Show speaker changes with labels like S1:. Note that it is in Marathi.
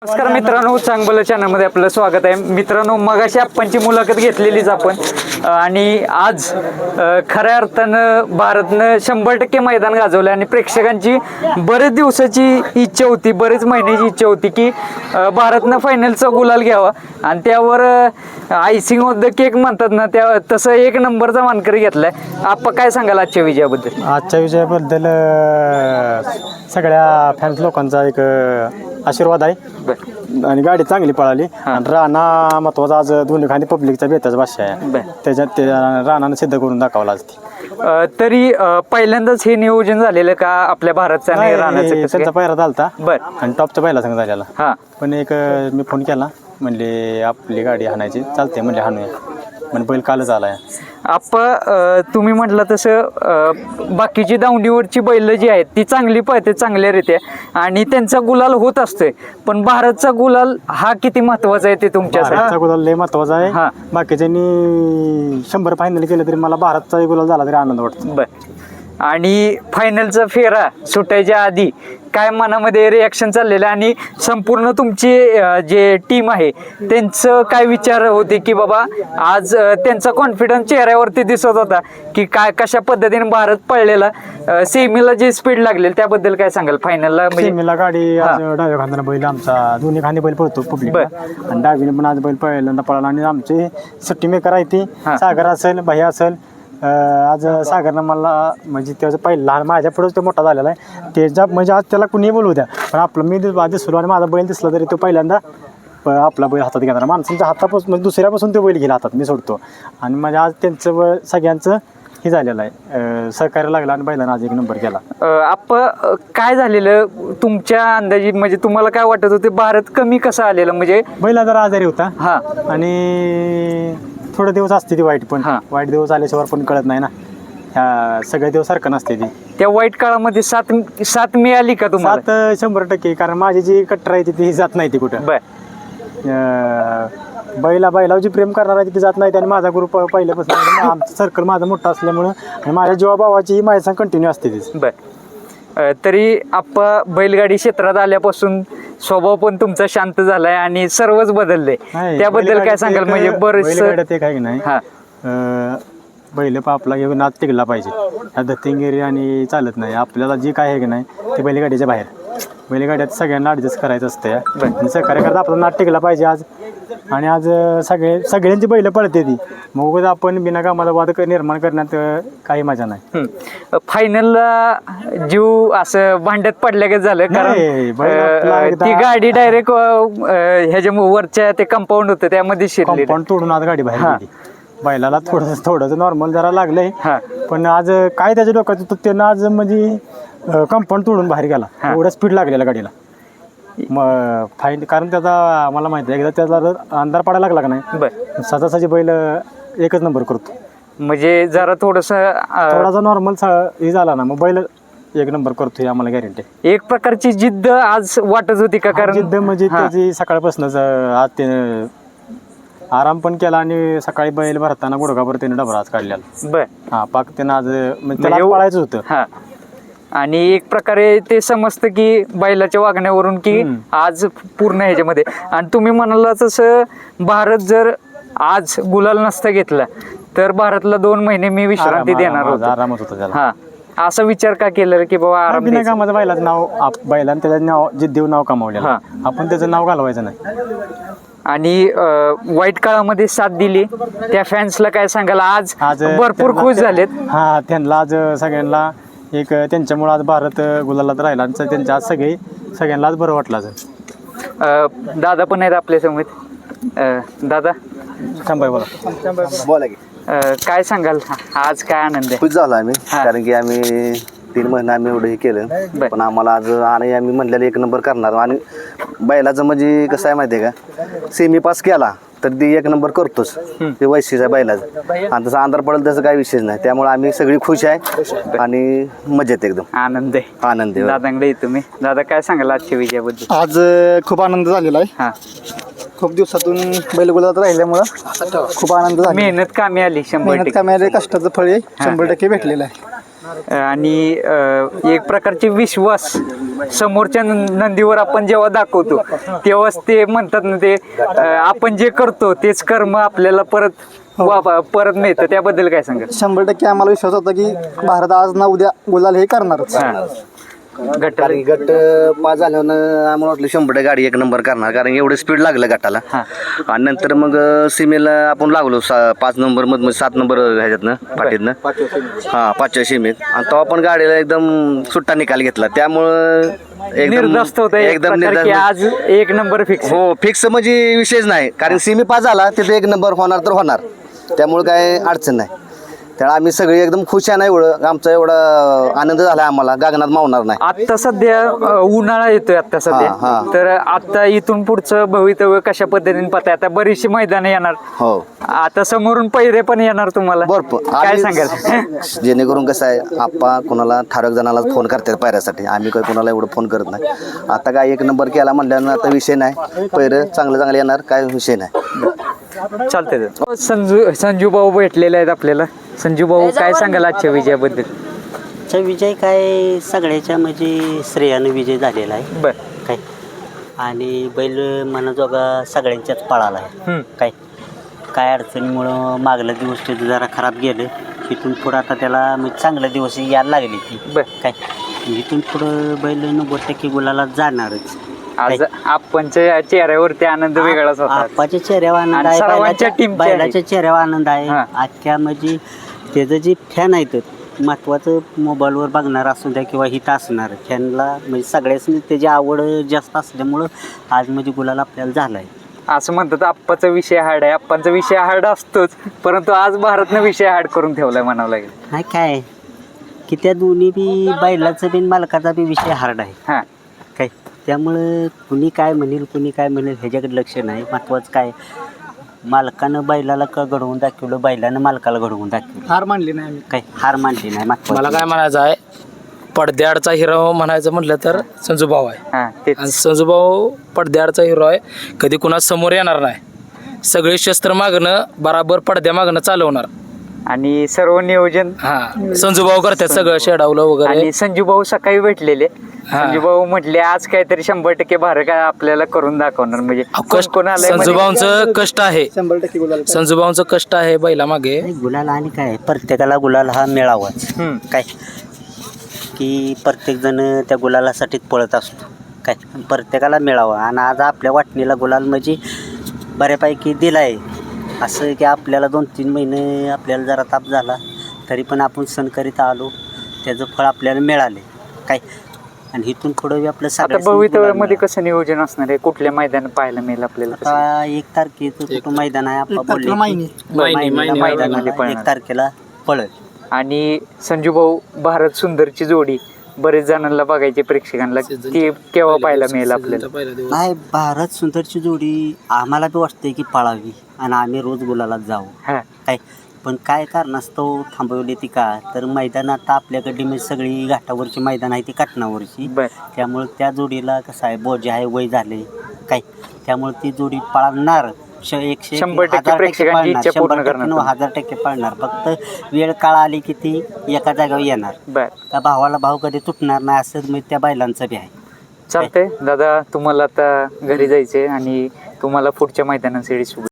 S1: नमस्कार मित्रांनो, चांगलं चॅनलमध्ये आपलं स्वागत आहे. मित्रांनो, मगाशी आपणची मुलाखत घेतलेलीच आपण आणि आज खऱ्या अर्थानं भारतनं 100% मैदान गाजवलं आणि प्रेक्षकांची बरेच दिवसाची इच्छा होती, बरेच महिन्याची इच्छा होती की भारतनं फायनलचा गुलाल घ्यावा आणि त्यावर आयसिंग ऑफ द केक म्हणतात ना, त्या तसं एक नंबरचा मानकरी घेतलाय. आपण काय सांगाल आजच्या विजयाबद्दल?
S2: आजच्या विजयाबद्दल सगळ्या फॅन्स लोकांचा एक आशीर्वाद आहे आणि गाडी चांगली पळाली आणि राणा महत्वाचा. आज दोन्ही खांदी पब्लिकचा बेताच भाषा आहे, त्याच्यात ते राणानं सिद्ध करून दाखवला आज.
S1: तरी पहिल्यांदाच हे नियोजन झालेलं का आपल्या भारतचा आणि राणाचं?
S2: त्यांचा पहिला झालता
S1: बरं
S2: आणि टॉपचा पहिला संघ झालेला.
S1: हा,
S2: पण एक मी फोन केला, म्हणले आपली गाडी हाणायची, चालते म्हणले हाणूया, म्हणजे बैल कालच आलाय.
S1: तुम्ही म्हटलं तसं बाकीची दावणीवरची बैल जी आहेत ती चांगली पळते चांगल्यारीत्या आणि त्यांचा गुलाल होत असतोय, पण भारतचा गुलाल हा किती महत्वाचा आहे ते तुमच्यासाठी?
S2: गुलाल लय महत्वाचा आहे. बाकीच्यांनी 100 फायनल केलं तरी मला भारतचा गुलाल झाला तरी आनंद वाटतो.
S1: बर, आणि फायनलचा फेरा सुटायच्या आधी काय मनामध्ये रिॲक्शन चाललेलं आणि संपूर्ण तुमची जे टीम आहे त्यांचं काय विचार होते की बाबा आज त्यांचा कॉन्फिडन्स चेहऱ्यावरती दिसत होता की काय कशा पद्धतीने भारत पळलेला, सेमीला जे स्पीड लागलेलं त्याबद्दल काय सांगाल? फायनलला
S2: सेमीला गाडी डाव्या खांद्याला बैल आमचा, दोन्ही खांदे बैल पळतो पब्लिक आणि डावीने पण आज बैल पहिल्यांदा पळाला आणि आमचे सुट्टी मेकर आहे ती सागर असेल, भैया असेल. आज सागरनं मला म्हणजे त्याचं पहिलं लहान माझ्या पुढेच तो मोठा झालेला आहे त्याच्या, म्हणजे आज त्याला कुणीही बोलू द्या पण आपलं मी दिसलो आणि माझा बैल दिसला तरी तो पहिल्यांदा आपला बैल हातात घेणार, माणसांच्या हातापासून म्हणजे दुसऱ्यापासून तो बैल गेला हातात, मी सोडतो. आणि म्हणजे आज त्यांचं सगळ्यांचं हे झालेलं आहे, सहकार्य लागलं आणि बैलांना आज एक नंबर केला.
S1: काय झालेलं तुमच्या अंदाजी, म्हणजे तुम्हाला काय वाटत होते भारत कमी कसा आलेला? म्हणजे
S2: बैला जरा आजारी होता
S1: हा,
S2: आणि थोडे दिवस असते ती वाईट, पण वाईट दिवस आल्याशिवाय पण कळत नाही ना, ह्या सगळे दिवस सारखं नसते ती.
S1: त्या वाईट काळामध्ये साथ मिळाली का तुम्हाला?
S2: 100%, कारण माझी जी कट्टर आहे ती जात नाही ती कुठं. बैलावर जी प्रेम करणार आहे ती जात नाही. आणि माझा ग्रुप पहिल्यापासून आमचं सर्कल माझं मोठं असल्यामुळं आणि माझ्या जीवा भावाची माझ्या संग कंटिन्यू असते तीच.
S1: तरी बैलगाडी क्षेत्रात आल्यापासून स्वभाव पण तुमचा शांत झालाय आणि सर्वच बदलले, त्याबद्दल काय सांगाल? म्हणजे बरेच
S2: ते काय नाही, बैल आपला नाद टिकला पाहिजे, ह्या दत्तिंगिरी आणि चालत नाही. आपल्याला जी काय आहे की नाही ते बैलगाडीच्या बाहेर, बैलगाड्यात सगळ्यांना ॲडजस्ट करायचं असतं, सहकार्य करता आपला नाद टिकला पाहिजे आज. आणि आज सगळ्यांची बैल पळते ती, मग आपण बिना कामाला वाद निर्माण करण्यात काही मजा नाही.
S1: फायनलला जीव असं भांड्यात पडल्यागत झालं, कारण ती गाडी डायरेक्ट ह्याच्या वरच्या ते कंपाऊंड होतं त्यामध्ये शिरली,
S2: कंपाऊंड तोडून आज गाडी बाहेर गेली. बैलाला थोडंसं नॉर्मल जरा लागलंय, पण आज काय त्याच्या डोक्यात होतं त्यानं आज म्हणजे कंपाऊंड तोडून बाहेर गेला, एवढा स्पीड लागलेला गाडीला. मग कारण त्याचा मला माहिती आहे एकदा त्याचा अंधार पडायला लागला का नाही, सहजासहजी बैल एकच नंबर करतो.
S1: म्हणजे जरा थोडासा
S2: नॉर्मल हे झाला ना मग बैल एक नंबर करतो, आम्हाला गॅरंटी.
S1: एक प्रकारची जिद्द आज वाटत होती का? कारण
S2: जिद्द म्हणजे त्याची सकाळपासूनच आज ते आराम पण केला आणि सकाळी बैल भरताना गुडघाभर त्याने डबरा आज काढलेला. पाक त्यानं आज त्याला पळायचं होतं.
S1: आणि एक प्रकारे ते समजतं की बैलाच्या वागण्यावरून की आज पूर्ण ह्याच्यामध्ये. आणि तुम्ही म्हणाला तसं भारत जर आज गुलाल नसता घेतला तर भारतला 2 महिने मी विश्रांती देणार होतो,
S2: आरामच होता त्याला.
S1: असा विचार का केला की बाबा आराम?
S2: माझं बैलाचं नाव, बैलानं त्याचं नाव जिद्दीव नाव कमावलेलं, आपण त्याचं नाव घालवायचं नाही.
S1: आणि वाईट काळामध्ये साथ दिली त्या फॅन्सला काय सांगाल? आज भरपूर खुश झालेत.
S2: त्यांना आज सगळ्यांना एक त्यांच्यामुळे आज भारत गुलालात राहिला आणि त्यांच्या आज सगळ्यांना आज बरं वाटलं.
S1: दादा पण आहेत आपल्या समोर. दादा
S3: बोला की,
S1: काय सांगाल? आज काय आनंद आहे?
S3: खुश झालो आम्ही, कारण की आम्ही 3 महिने आम्ही एवढं हे केलं, पण आम्हाला आज आणि आम्ही म्हणलेलं एक नंबर करणार. आणि बैलाचं म्हणजे कसं आहे माहिती आहे का, सेमी पास केला तर ती एक नंबर करतोच, ते वैशिष्ट्य आहे बैलाचं. आणि तसं अंधार पडेल त्याचं काही विशेष नाही, त्यामुळे आम्ही सगळी खुश आहे आणि मजेत एकदम
S1: आनंद आहे. दादांकडे तुम्ही दादा काय सांगाल आजच्या विजयाबद्दल?
S4: आज खूप आनंद झालेला आहे. खूप दिवसातून बैलगुलात राहिल्यामुळं खूप आनंद झाला.
S1: मेहनत कामी आली, 100%
S4: कष्टाचं फळ 100% भेटलेलं आहे.
S1: आणि एक प्रकारचे विश्वास समोरच्या नंदीवर आपण जेव्हा दाखवतो तेव्हाच ते म्हणतात ना ते आपण जे करतो तेच कर्म आपल्याला परत मिळतं. त्याबद्दल काय सांगा?
S4: 100% आम्हाला विश्वास होता की भारत आज ना उद्या गुलाल हे करणारच.
S3: कारण गट पास झाल्यानं आम्हाला वाटलं 100% गाडी एक नंबर करणार, कारण एवढं स्पीड लागलं गटाला. आणि नंतर मग सीमेला आपण लागलो 5 नंबर मधून 7 नंबर ह्याच्यातनं पाठीतनं 5व्या सीमेत, आणि तेव्हा पण गाडीला एकदम सुट्टा निकाल घेतला. त्यामुळं
S1: निर्धास्त होतं एकदम
S3: निर्धास्त.
S1: आज एक नंबर फिक्स.
S3: हो, फिक्स म्हणजे विषयच नाही, कारण सीमे पास झाला तिथे एक नंबर होणार तर होणार, त्यामुळे काय अडचण नाही. त्यामुळे आम्ही सगळे एकदम खुश आहे ना, एवढं आमचा एवढा आनंद झाला आम्हाला गगनात मावणार नाही.
S1: आता सध्या उन्हाळा येतोय आता सध्या, तर आता इथून पुढचं भवितव्य कशा पद्धतीने पाहताय? आता बरीचशी मैदान येणार,
S3: हो
S1: आता समोरून पहिरे पण येणार तुम्हाला,
S3: भरपूर.
S1: काय सांगाल?
S3: जेणेकरून कसं आहे, आप्पा कोणाला ठराविक जणाला फोन करतात पायऱ्यासाठी, आम्ही काही कोणाला एवढं फोन करत नाही. आता काय एक नंबर केला म्हणल्यानं आता विषय नाही, पैरं चांगलं येणार, काय विषय नाही.
S1: चालतंय. संजू भाऊ भेटलेले आहेत आपल्याला. संजू भाऊ, काय सांगाल आजच्या विजयाबद्दल?
S5: विजय काय सगळ्याच्या म्हणजे श्रेयानं विजय झालेला आहे
S1: बर.
S5: काय, आणि बैल मनाजोगा सगळ्यांच्याच पळाला आहे काय. काय अडचणीमुळं मागला दिवस ते जरा खराब गेलं, इथून पुढं आता त्याला म्हणजे चांगला दिवस यायला लागली ती
S1: बर.
S5: काय. इथून पुढं बैल 90% गुलाला जाणारच.
S1: आज आपणच्या चेहऱ्यावरती आनंद वेगळाच होता.
S5: आप्पाच्या चेहऱ्यावर आनंद आहे,
S1: सर्वांच्या टीमच्या
S5: बैलाच्या चेहऱ्यावर आनंद आहे. अख्ख्या म्हणजे त्याचं जे फॅन आहेत महत्त्वाचं, मोबाईलवर बघणार असू द्या किंवा हिथं असणार फॅनला, म्हणजे सगळ्याच त्याची आवड जास्त असल्यामुळं आज म्हणजे गुलाल आपल्याला झाला आहे.
S1: असं म्हणतात आप्पाचा विषय हार्ड आहे, आप्पांचा विषय हार्ड असतोच, परंतु आज भारतनं विषय हार्ड करून ठेवलाय म्हणावं लागेल.
S5: नाही काय की त्या दोन्ही बी बैलाचा बी मालकाचा बी विषय हार्ड आहे काय. त्यामुळं कुणी काय म्हणेल कुणी काय म्हणेल ह्याच्याकडे लक्ष नाही. महत्त्वाचं काय, मालकानं बैलाला का घडवून दाखवलं, बैलानं मालकाला घडवून दाखवलं.
S4: हार मानली नाही आम्ही.
S5: काय हार मानली नाही.
S6: मला काय म्हणायचं आहे, पडद्याआडचा हिरो म्हणायचं म्हटलं तर संजूभाऊ आहे. आणि संजूभाऊ पडद्याआडचा हिरो आहे, कधी कुणा समोर येणार नाही, सगळे शस्त्र मागणं बराबर पडद्या मागणं चालवणार,
S1: आणि सर्व नियोजन
S6: संजूभाऊ करतात सगळं शेडावलं वगैरे.
S1: आणि संजू भाऊ सकाळी भेटलेले, संजू भाऊ म्हटले आज काहीतरी 100% भारत काय आपल्याला करून दाखवणार. म्हणजे
S6: संजूभाऊंचं कष्ट आहे,
S4: 100% गुलाल.
S6: संजूभाऊंचं कष्ट आहे बैला मागे.
S5: गुलाल आणि काय प्रत्येकाला गुलाल हा मिळावाच काय, की प्रत्येक जण त्या गुलालासाठीच पळत असतो काय, प्रत्येकाला मिळावा. आणि आज आपल्या वाटणीला गुलाल म्हणजे बऱ्यापैकी दिला आहे. असं की आपल्याला 2-3 महिने आपल्याला जरा ताप झाला तरी पण आपण सण करीत आलो, त्याचं फळ आपल्याला मिळाले काय. आणि इथून पुढे आपलं
S1: भवितव्यामध्ये कसं नियोजन असणार आहे, कुठल्या मैदान पाहायला मिळेल आपल्याला?
S5: आता 1 तारखेचं कुठं मैदान आहे आपलं मैदानामध्ये 1 तारखेला पळेल.
S1: आणि संजू भाऊ भारत सुंदरची जोडी बरेच जणांना बघायची, प्रेक्षकांना ती केव्हा पाहायला मिळेल आपल्याला?
S5: नाही, भारत सुंदरची जोडी आम्हाला बी वाटते की पळावी आणि आम्ही रोज गुलाला जाऊ काय. पण काय कारणास्तव थांबवली ती का, तर मैदान आता आपल्याकडे म्हणजे सगळी घाटावरची मैदान आहे ती काटणावरची, त्यामुळे त्या जोडीला कसं आहे बोजे आहे, वय झाले काय, त्यामुळे ती जोडी पळणार
S1: 100% प्रेक्षकांची इच्छा पूर्ण करणार,
S5: 1000% पळणार. फक्त वेळ काळ आली की ती एका जागेवर येणार. त्या भावाला भाव कधी तुटणार नाही असं म्हणजे त्या बैलांचं बी आहे.
S1: चालतंय दादा, तुम्हाला आता घरी जायचंय आणि तुम्हाला पुढच्या मैदानासाठी